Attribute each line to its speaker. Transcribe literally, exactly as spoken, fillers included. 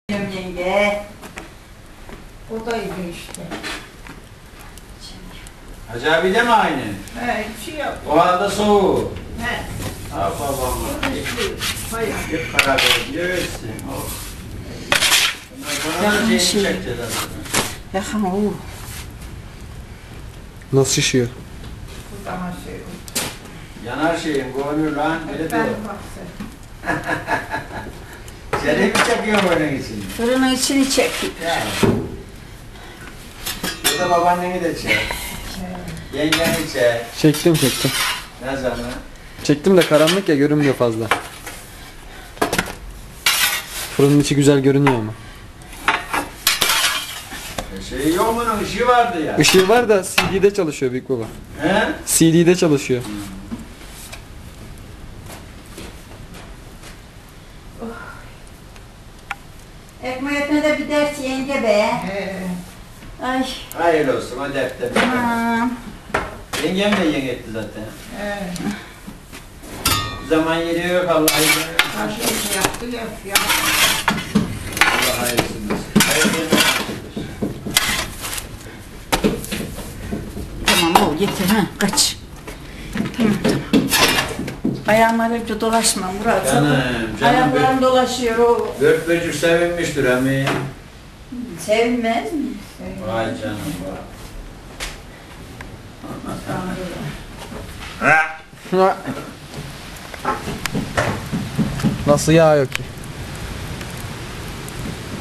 Speaker 1: Yenge. O da iyi işte.
Speaker 2: Hacı abi de mi aynı?
Speaker 1: He, hiç şey yok.
Speaker 2: O halde soğuk.
Speaker 1: He.
Speaker 2: Ha babam. Hep karar verirsin. Bana da şeyini çekeceğiz aslında.
Speaker 1: Yakın o.
Speaker 3: Nasıl şişiyor?
Speaker 1: Buradan şey.
Speaker 2: Yanar şeyim, gönül lan. Öyle
Speaker 1: Ben
Speaker 2: de.
Speaker 1: baksın.
Speaker 2: Seni mi çekiyor bunun için?
Speaker 1: Fırının içini çektik.
Speaker 2: Ya. Burada babaanneni de çek. Yengeni çek.
Speaker 3: Çektim çektim.
Speaker 2: Ne zaman?
Speaker 3: Çektim de karanlık ya görünmüyor fazla. Fırının içi güzel görünüyor ama.
Speaker 2: Şey yok bunun ışığı vardı ya.
Speaker 3: Işığı var da C D'de çalışıyor büyük baba.
Speaker 2: He?
Speaker 3: C D'de çalışıyor.
Speaker 1: Ekmeğine de bir ders yenge be. He. Ay.
Speaker 2: Hayırlı olsun, o defter.
Speaker 1: Tamam.
Speaker 2: Yengem de yenge etti zaten.
Speaker 1: He.
Speaker 2: Zaman yeri yok Allah hayırlı.
Speaker 1: Her şey yaptı yap yap.
Speaker 2: Allah hayırlısın olsun. Hayırlı olsun.
Speaker 1: Tamam o yeter ha kaç. Tamam tamam. Ayağımlar önce dolaşma Murat.
Speaker 2: Canım, canım.
Speaker 1: Ayaklarım dolaşıyor o.
Speaker 2: Dört böcük sevinmiştir emi.
Speaker 1: Sevinmez mi?
Speaker 2: Vay canım vay.
Speaker 3: Nasıl yağ yok ki?